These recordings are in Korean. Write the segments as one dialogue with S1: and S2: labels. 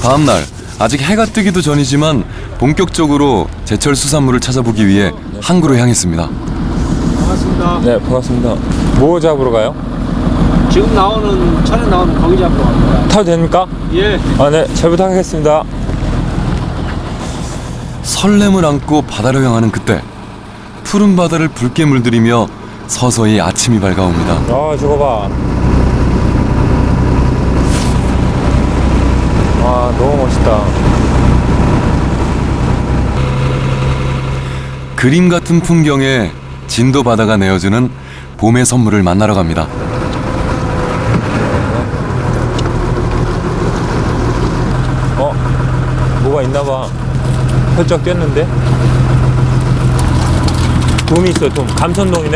S1: 다음날 아직 해가 뜨기도 전이지만 본격적으로 제철 수산물을 찾아보기 위해 항구로 향했습니다.
S2: 반갑습니다.
S3: 네, 반갑습니다. 뭐 잡으러 가요?
S2: 지금 나오는 차례 나오는 거기 잡으러 갑니다.
S3: 타도 됩니까?
S2: 예.
S3: 아, 네, 잘 부탁하겠습니다.
S1: 설렘을 안고 바다로 향하는 그때 푸른 바다를 붉게 물들이며 서서히 아침이 밝아옵니다.
S3: 아, 저거 봐. 와, 너무 멋있다.
S1: 그림 같은 풍경에 진도 바다가 내어주는 봄의 선물을 만나러 갑니다.
S3: 뭐가 있나 봐. 펄쩍 뛰었는데? 돔이 있어, 돔. 감선돔이네?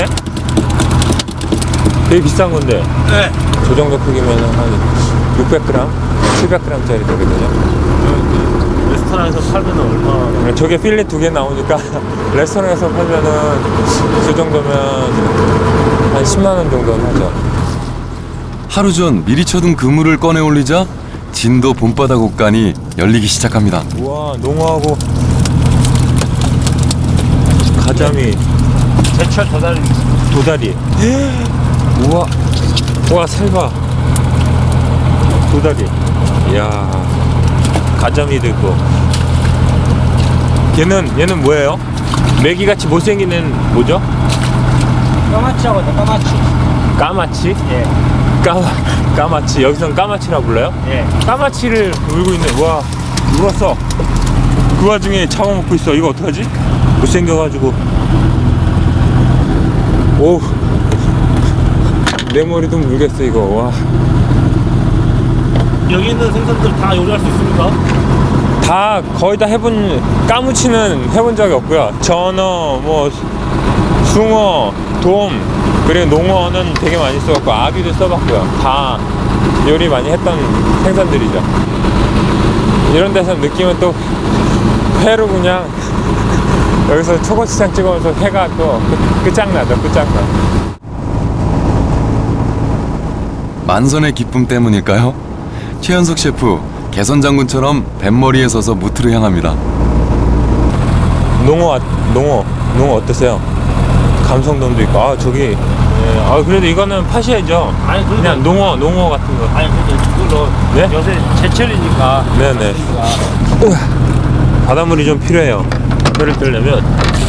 S3: 되게 비싼 건데.
S2: 네.
S3: 저 정도 크기면 한 600g? 700g짜리 되거든요.
S2: 레스토랑에서 팔면 얼마?
S3: 저게 필레 2개 나오니까 레스토랑에서 팔면은 저 정도면 한 10만 원 정도는 하죠.
S1: 하루 전 미리 쳐둔 그물을 꺼내 올리자 진도 봄바다 곡간이 열리기 시작합니다.
S3: 우와, 농어하고 가자미,
S2: 제철 도다리.
S3: 도다리. 우와, 우와, 살봐. 도다리. 이야, 가자미도 있고. 얘는 뭐예요? 메기같이 못생긴 애는 뭐죠?
S2: 까마치하고 까마치.
S3: 까마치?
S2: 예.
S3: 까마치. 여기선 까마치라 불러요?
S2: 예.
S3: 까마치를 물고 있네. 와, 물었어. 그 와중에 잡아먹고 있어. 이거 어떡하지? 못생겨가지고. 오, 내 머리도 물겠어 이거. 와,
S2: 여기 있는 생선들 다 요리할 수 있습니까?
S3: 다 거의 다 해본. 까무치는 해본 적이 없고요. 전어, 뭐 숭어, 돔, 그리고 농어는 되게 많이 써봤고 아귀도 써봤고요. 다 요리 많이 했던 생선들이죠. 이런 데서 느낌은 또 회로 그냥 여기서 초고추장 찍으면서 회가 또 끝장나죠. 끝장나.
S1: 만선의 기쁨 때문일까요? 최현석 셰프 개선 장군처럼 뱃머리에 서서 무트로 향합니다.
S3: 농어 어떠세요? 감성돔도 있고. 아, 저기. 예, 아, 그래도 이거는 파셔야죠.
S2: 아니,
S3: 그냥 농어 같은 거.
S2: 아니 근데 이걸로
S3: 네?
S2: 요새 제철이니까.
S3: 네네. 바닷물이 좀 필요해요. 회를 뜨려면.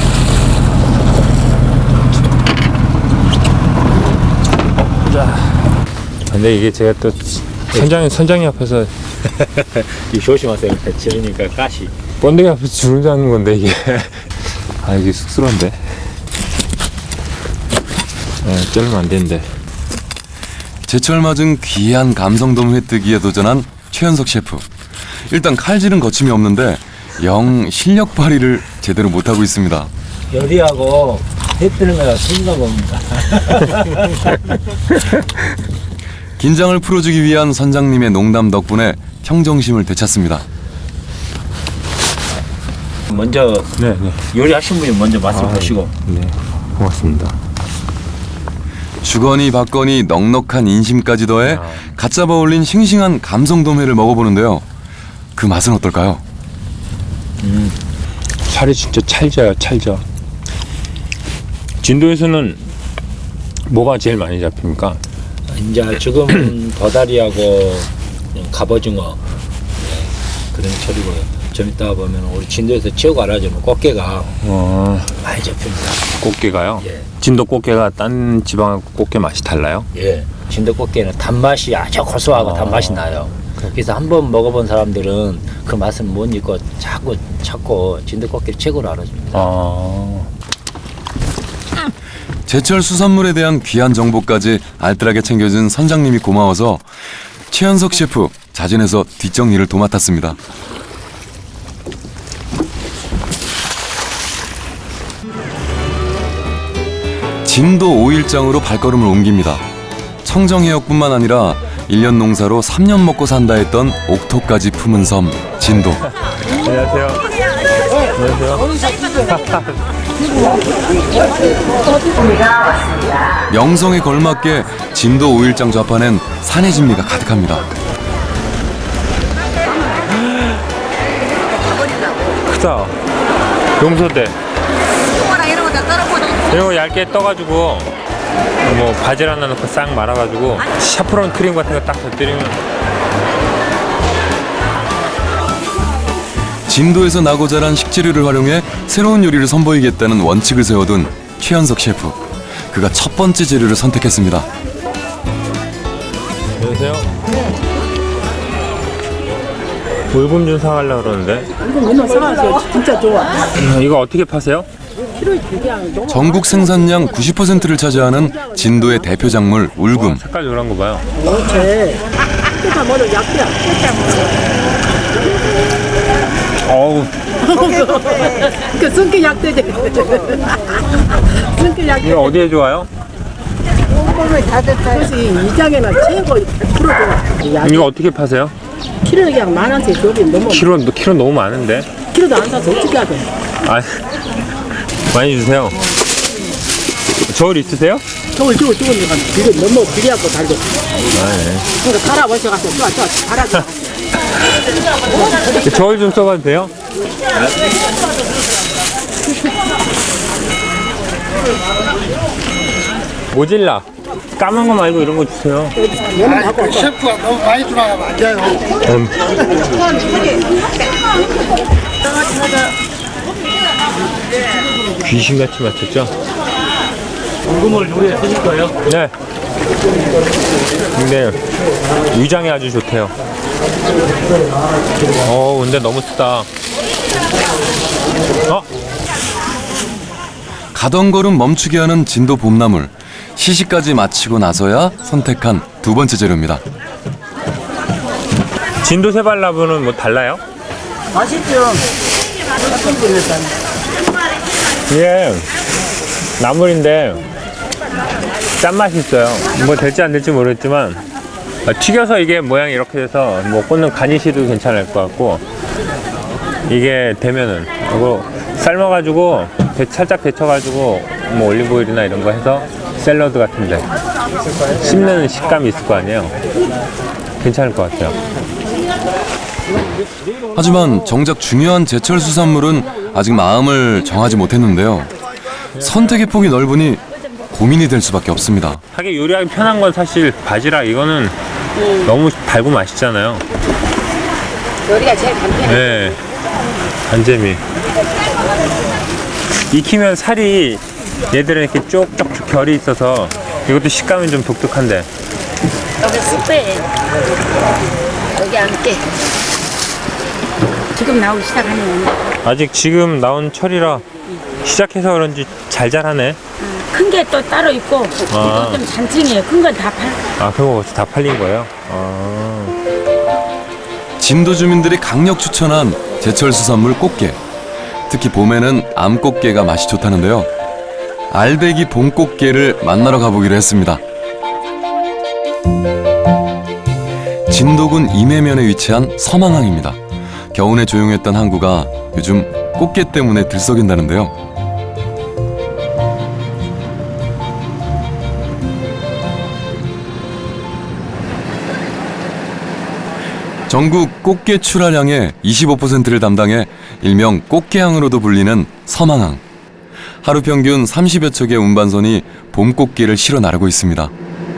S3: 자. 근데 이게 제가 또 선장님 앞에서
S2: 이 조심하세요. 제철이니까 가시.
S3: 번데기 앞에서 주름 잡는 건데 이게. 아, 이게 쑥스러운데. 네, 자르면 안 되는데.
S1: 제철 맞은 귀한 감성돔 회뜨기에 도전한 최현석 셰프. 일단 칼질은 거침이 없는데 영 실력 발휘를 제대로 못하고 있습니다.
S2: 요리하고 해 뜨는 거가 틀린가 봅니다.
S1: 긴장을 풀어주기 위한 선장님의 농담 덕분에 평정심을 되찾습니다.
S2: 먼저
S3: 네.
S2: 요리하신 분이 먼저 맛을 보시고.
S3: 네, 고맙습니다.
S1: 주거니 받거니 넉넉한 인심까지 더해 갓 잡아 올린 싱싱한 감성돔회를 먹어보는데요. 그 맛은 어떨까요?
S3: 살이 진짜 찰져요, 찰져. 진도에서는 뭐가 제일 많이 잡힙니까?
S2: 이제 지금 도다리하고 갑오징어 그런 철이고요. 좀 이따 보면 우리 진도에서 최고 알아주는 꽃게가 많이 잡힙니다.
S3: 꽃게가요?
S2: 예.
S3: 진도 꽃게가 딴 지방 꽃게 맛이 달라요?
S2: 예. 진도 꽃게는 단맛이 아주 고소하고 단맛이 나요. 그래서 한번 먹어본 사람들은 그 맛을 못 잊고 자꾸 찾고 진도 꽃게를 최고로 알아줍니다.
S1: 제철 수산물에 대한 귀한 정보까지 알뜰하게 챙겨준 선장님이 고마워서 최현석 셰프 자진해서 뒷정리를 도맡았습니다. 진도 5일장으로 발걸음을 옮깁니다. 청정해역뿐만 아니라 1년 농사로 3년 먹고 산다 했던 옥토까지 품은 섬 진도.
S3: 안녕하세요.
S1: 명성에 걸맞게 진도 5일장 좌판엔 산의 진미가 가득합니다.
S3: 크다. 용서대. 이런 거 얇게 떠가지고 뭐 바질 하나 넣고 싹 말아가지고 샤프론 크림 같은 거 딱 곁들이면.
S1: 진도에서 나고 자란 식재료를 활용해 새로운 요리를 선보이겠다는 원칙을 세워둔 최현석 셰프. 그가 첫 번째 재료를 선택했습니다.
S3: 안녕하세요. 물금 좀 사가려고 그러는데.
S4: 이거 맨날 사가서 진짜 좋아.
S3: 이거 어떻게 파세요?
S4: 키로에 그냥 너무
S1: 전국 생산량 90%를 차지하는 진도의 대표 작물 울금.
S3: 색깔 노란 거 봐요.
S4: 좋지. 그러니까 뭐는 약이야.
S3: 어우,
S4: 그 성격 약되지. 성격
S3: 이거
S4: 약되.
S3: 어디에 좋아요?
S4: 그것이 이장에는 최고 100% 좋아. 약
S3: 이거 어떻게 파세요?
S4: 키로에 그냥 10,000원씩 줘비 너무.
S3: 키로 너무 많은데.
S4: 키로도 안 사서 어떻게 하게?
S3: 아, 많이 주세요. 저울 있으세요?
S4: 저걸 주고 죽으니까 이거 너무 비리하고 달고.
S3: 아, 네.
S4: 그러니까 갈아버셔가지고 좋아 갈아줘.
S3: 저울 좀 써봐도 돼요? 모질라. 까만 거 말고 이런 거 주세요.
S4: 얘는 갖고
S5: 셰프가 너무 많이 들어가면 안 돼요.
S3: 귀신같이 맞췄죠?
S2: 궁금을 요리에 쓰실 거예요?
S3: 네. 근데 위장에 아주 좋대요. 근데 너무 쓰다.
S1: 가던 걸음 멈추게 하는 진도 봄나물. 시시까지 마치고 나서야 선택한 두 번째 재료입니다.
S3: 진도 세발나무는 뭐 달라요?
S4: 맛있죠.
S3: 이게 나물인데 짠맛이 있어요. 뭐 될지 안 될지 모르겠지만 튀겨서 이게 모양이 이렇게 돼서 뭐 꽂는 가니쉬도 괜찮을 것 같고, 이게 되면은 이거 삶아가지고 살짝 데쳐가지고 뭐 올리브오일이나 이런 거 해서 샐러드 같은데 씹는 식감이 있을 거 아니에요. 괜찮을 것 같아요.
S1: 하지만 정작 중요한 제철 수산물은 아직 마음을 정하지 못했는데요. 선택의 폭이 넓으니 고민이 될 수밖에 없습니다.
S3: 하긴 요리하기 편한 건 사실 바지락. 이거는 너무 달고 맛있잖아요.
S4: 요리가 제일 간편해.
S3: 네, 간재미. 익히면 살이 얘들은 이렇게 쪽쪽 결이 있어서 이것도 식감이 좀 독특한데.
S6: 여기 숯배 여기 앉게 지금 나오기 시작하네요.
S3: 아직 지금 나온 철이라 시작해서 그런지 잘 자라네.
S6: 큰 게 또 따로 있고
S3: 아.
S6: 이거 좀 잔증이에요. 큰 건 다 팔.
S3: 아, 그거 벌써 다 팔린 거예요?
S1: 진도 주민들이 강력 추천한 제철 수산물 꽃게. 특히 봄에는 암꽃게가 맛이 좋다는데요. 알배기 봄꽃게를 만나러 가보기로 했습니다. 진도군 임해면에 위치한 서망항입니다. 겨우내 조용했던 항구가 요즘 꽃게 때문에 들썩인다는데요. 전국 꽃게 출하량의 25%를 담당해 일명 꽃게항으로도 불리는 서망항. 하루 평균 30여 척의 운반선이 봄꽃게를 실어 나르고 있습니다.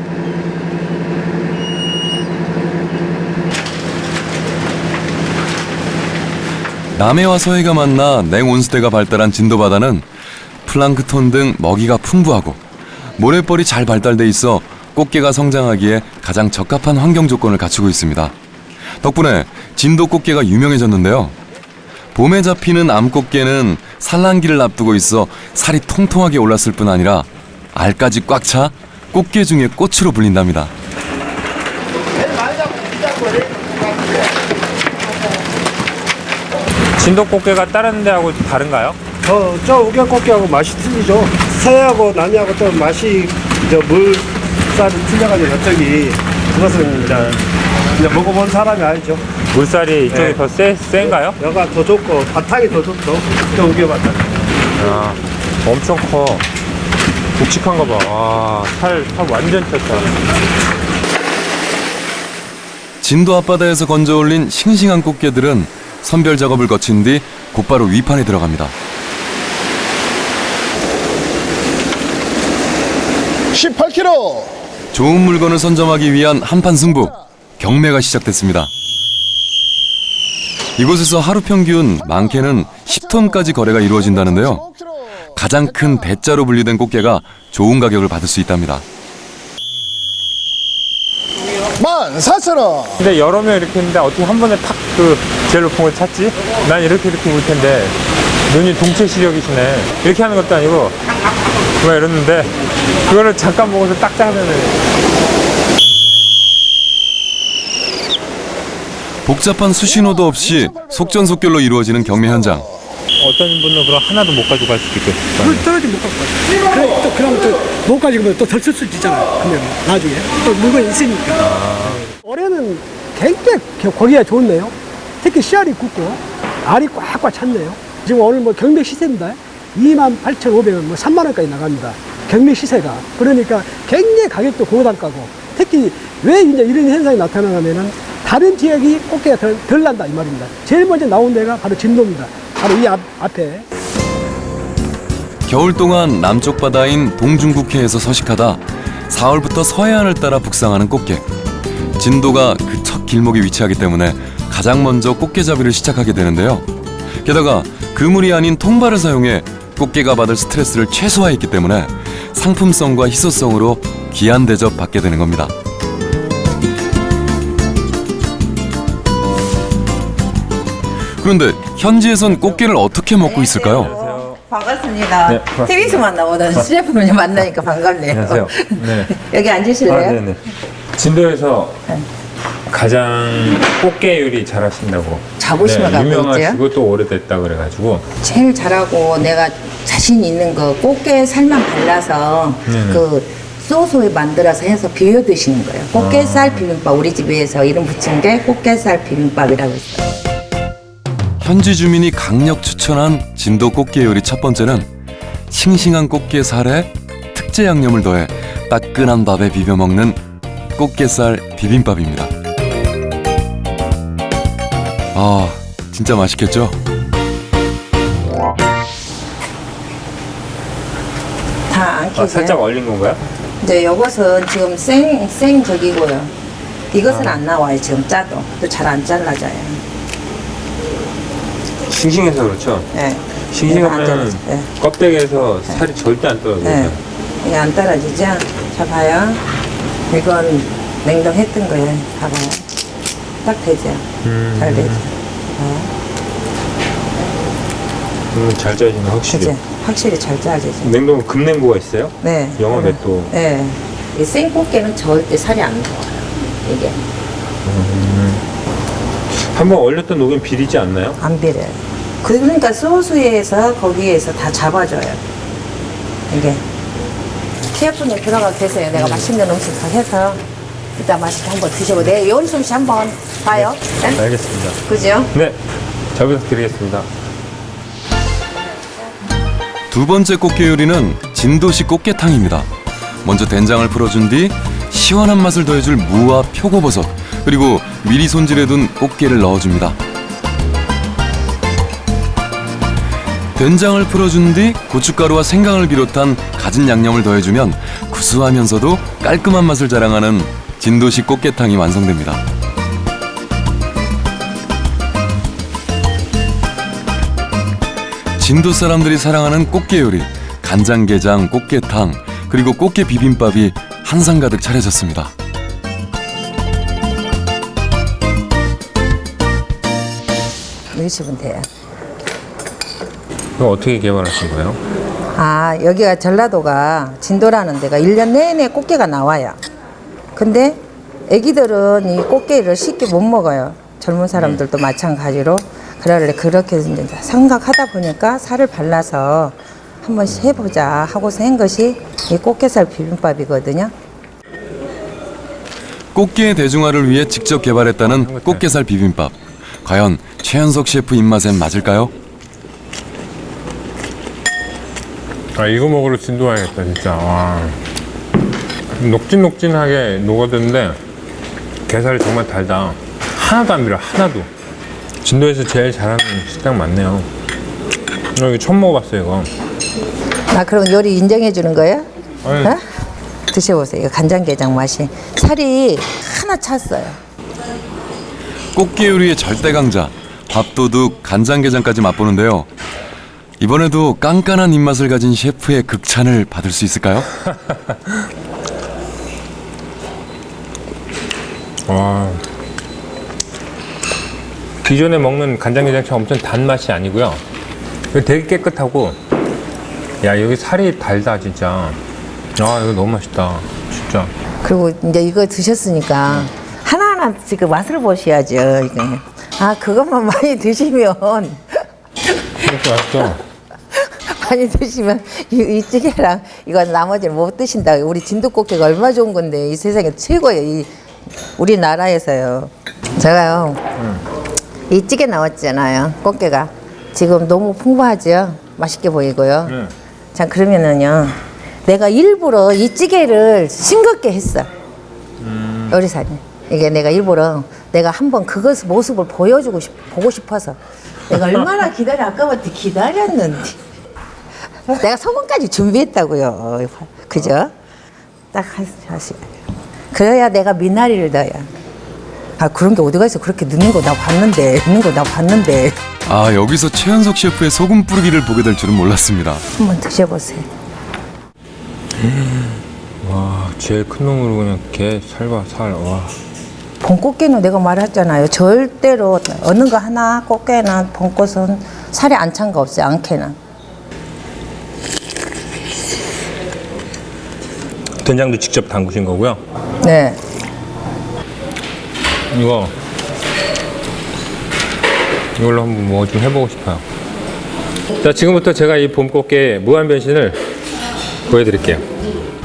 S1: 남해와 서해가 만나 냉온수대가 발달한 진도바다는 플랑크톤 등 먹이가 풍부하고 모래벌이 잘 발달돼 있어 꽃게가 성장하기에 가장 적합한 환경 조건을 갖추고 있습니다. 덕분에 진도 꽃게가 유명해졌는데요. 봄에 잡히는 암꽃게는 산란기를 앞두고 있어 살이 통통하게 올랐을 뿐 아니라 알까지 꽉 차 꽃게 중에 꽃으로 불린답니다.
S3: 진도 꽃게가 다른 데하고 다른가요?
S5: 저 우겨꽃게하고 맛이 틀리죠. 서해하고 남해하고 좀 맛이 물살이 틀려가지고 저기 그것은 이제 먹어본 사람이 알죠.
S3: 물살이 이쪽이
S5: 네.
S3: 더 센가요?
S5: 여가 더 좋고 바탕이 더 좋죠. 저 우겨바탕.
S3: 아, 엄청 커. 굵직한 거 봐. 와, 살 완전 쪘다.
S1: 진도 앞바다에서 건져 올린 싱싱한 꽃게들은 선별 작업을 거친 뒤 곧바로 위판에 들어갑니다.
S7: 18kg.
S1: 좋은 물건을 선점하기 위한 한판 승부. 경매가 시작됐습니다. 이곳에서 하루 평균 많게는 10톤까지 거래가 이루어진다는데요. 가장 큰 대자로 분리된 꽃게가 좋은 가격을 받을 수 있답니다.
S7: 14,000원.
S3: 근데 여러 명 이렇게 했는데 어떻게 한 번에 탁 그 제일 높은 걸 찾지? 난 이렇게 볼 텐데 눈이 동체 시력이시네. 이렇게 하는 것도 아니고 막 이러는데 그거를 잠깐 보고서 딱 잡으면
S1: 복잡한 수신호도 없이 속전속결로 이루어지는 경매 현장.
S3: 어떤 분은 그럼 하나도 못 가지고 갈 수도 있겠어요.
S8: 떨어지면 못 갖고 가요. 또 그러면 또 못 가지고 또 덜 쓸 수 있잖아요. 그러면 나중에 또 물건이 있으니까. 올해는 굉장히 고기가 좋네요. 특히 씨알이 굵고 알이 꽉꽉 찼네요. 지금 오늘 뭐 경매 시세입니다. 28,500원, 뭐 3만 원까지 나갑니다. 경매 시세가. 그러니까 굉장히 가격도 고단가고, 특히 왜 이제 이런 현상이 나타나냐면은 다른 지역이 꽃게가 덜 난다 이 말입니다. 제일 먼저 나온 데가 바로 진도입니다. 바로 이 앞에.
S1: 겨울 동안 남쪽 바다인 동중국해에서 서식하다 4월부터 서해안을 따라 북상하는 꽃게. 진도가 그 첫 길목에 위치하기 때문에 가장 먼저 꽃게잡이를 시작하게 되는데요. 게다가 그물이 아닌 통발을 사용해 꽃게가 받을 스트레스를 최소화했기 때문에 상품성과 희소성으로 귀한 대접 받게 되는 겁니다. 그런데 현지에선 꽃게를 어떻게 먹고 있을까요?
S4: 반갑습니다.
S3: 네, 반갑습니다.
S4: TV에서만 나오던 CF분을 만나니까 반갑네요.
S3: 안녕하세요. 네.
S4: 여기 앉으실래요?
S3: 네네. 진도에서 가장 꽃게 요리 잘하신다고.
S4: 자부심을 갖고
S3: 유명하시고 또 오래됐다 그래가지고.
S4: 제일 잘하고 내가 자신 있는 거 꽃게 살만 발라서
S3: 네네.
S4: 그 소스에 만들어서 해서 비벼 드시는 거예요. 꽃게살 비빔밥. 우리 집에서 이름 붙인 게 꽃게살 비빔밥이라고 있어요.
S1: 현지 주민이 강력 추천한 진도 꽃게 요리 첫 번째는 싱싱한 꽃게 살에 특제 양념을 더해 따끈한 밥에 비벼 먹는 꽃게살 비빔밥입니다. 아, 진짜 맛있겠죠?
S4: 다 안 켜져요.
S3: 살짝 얼린 건가요?
S4: 이제 요것은 지금 생 저기고요. 이것은 안 나와요. 지금 짜도. 또 잘 안 잘라져요.
S3: 싱싱해서 그렇죠.
S4: 네. 안
S3: 싱싱하면
S4: 잘라져. 네.
S3: 껍데기에서 살이 절대 안 떨어져요.
S4: 네. 이게 안 떨어지죠? 자, 봐요. 이건 냉동했던 거예요. 봐봐요. 딱 되죠? 잘 되죠?
S3: 잘 짜지네 확실히.
S4: 그치? 확실히 잘 짜지죠?
S3: 냉동은 급냉고가 있어요?
S4: 네.
S3: 영어 맷도.
S4: 네. 이 생꽃게는 절대 살이 안 나와요. 이게.
S3: 한번 얼렸던 녹은 비리지 않나요?
S4: 안 비려요. 그러니까 소스에서 거기에서 다 잡아줘요. 이게. TF분에 들어가 계세요. 내가 맛있는 음식 다 해서 이따 맛있게 한번 드셔보고 내 요리 솜씨 한번 봐요. 네?
S3: 알겠습니다.
S4: 그죠?
S3: 네, 잘 부탁드리겠습니다.
S1: 두 번째 꽃게 요리는 진도식 꽃게탕입니다. 먼저 된장을 풀어준 뒤 시원한 맛을 더해줄 무와 표고버섯 그리고 미리 손질해둔 꽃게를 넣어줍니다. 된장을 풀어준 뒤 고춧가루와 생강을 비롯한 갖은 양념을 더해주면 구수하면서도 깔끔한 맛을 자랑하는 진도식 꽃게탕이 완성됩니다. 진도 사람들이 사랑하는 꽃게 요리, 간장게장, 꽃게탕, 그리고 꽃게 비빔밥이 한상 가득 차려졌습니다.
S4: 넣으시면 돼요.
S3: 이거 어떻게 개발하신 거예요?
S4: 아, 여기가 전라도가 진도라는 데가 1년 내내 꽃게가 나와요. 근데 애기들은 이 꽃게를 쉽게 못 먹어요. 젊은 사람들도 마찬가지로. 그래 그렇게 이제 생각하다 보니까 살을 발라서 한번 해보자 하고서 한 것이 이 꽃게살 비빔밥이거든요.
S1: 꽃게의 대중화를 위해 직접 개발했다는 꽃게살 비빔밥. 과연 최현석 셰프 입맛엔 맞을까요?
S3: 아, 이거 먹으러 진도 와야겠다 진짜. 와. 녹진녹진하게 녹아드는데 게살이 정말 달다. 하나도 안 비려, 하나도. 진도에서 제일 잘하는 식당 맞네요. 이거 처음 먹어봤어요 이거.
S4: 나 그럼 요리 인정해 주는 거예요?
S3: 아니.
S4: 어? 드셔보세요. 이거 간장게장 맛이 살이 하나 찼어요.
S1: 꽃게 요리의 절대 강자 밥도둑 간장게장까지 맛보는데요. 이번에도 깐깐한 입맛을 가진 셰프의 극찬을 받을 수 있을까요?
S3: 와. 기존에 먹는 간장게장처럼 엄청 단맛이 아니고요. 이거 되게 깨끗하고, 야 여기 살이 달다 진짜. 아 이거 너무 맛있다 진짜.
S4: 그리고 이제 이거 드셨으니까 하나하나 지금 맛을 보셔야죠. 이거. 아 그것만 많이 드시면
S3: 이렇게 맛있어.
S4: 많이 드시면 이 찌개랑 이건 나머지를 못 드신다. 우리 진돗꽃게가 얼마나 좋은 건데 이 세상에 최고예요. 이 우리나라에서요. 제가요 이 찌개 나왔잖아요. 꽃게가 지금 너무 풍부하죠. 맛있게 보이고요. 자 그러면은요 내가 일부러 이 찌개를 싱겁게 했어. 요리사님 이게 내가 일부러 내가 한번 그것 모습을 보고 싶어서 내가 얼마나 아까부터 기다렸는데 내가 소금까지 준비했다고요. 그죠? 딱 하시. 그래야 내가 미나리를 넣어야. 아 그런 게 어디가 있어? 그렇게 넣는 거 나 봤는데.
S1: 아 여기서 최현석 셰프의 소금 뿌리기를 보게 될 줄은 몰랐습니다.
S4: 한번 드셔보세요.
S3: 와 제일 큰 놈으로 그냥 게 살과 살. 와.
S4: 봄꽃게는 내가 말했잖아요. 절대로 어느 거 하나 꽃게나 봄꽃은 살이 안 찬 거 없어요. 않게는.
S3: 된장도 직접 담그신 거고요.
S4: 네.
S3: 이걸로 한번 뭐 좀 해보고 싶어요. 자 지금부터 제가 이 봄꽃게 무한 변신을 보여드릴게요.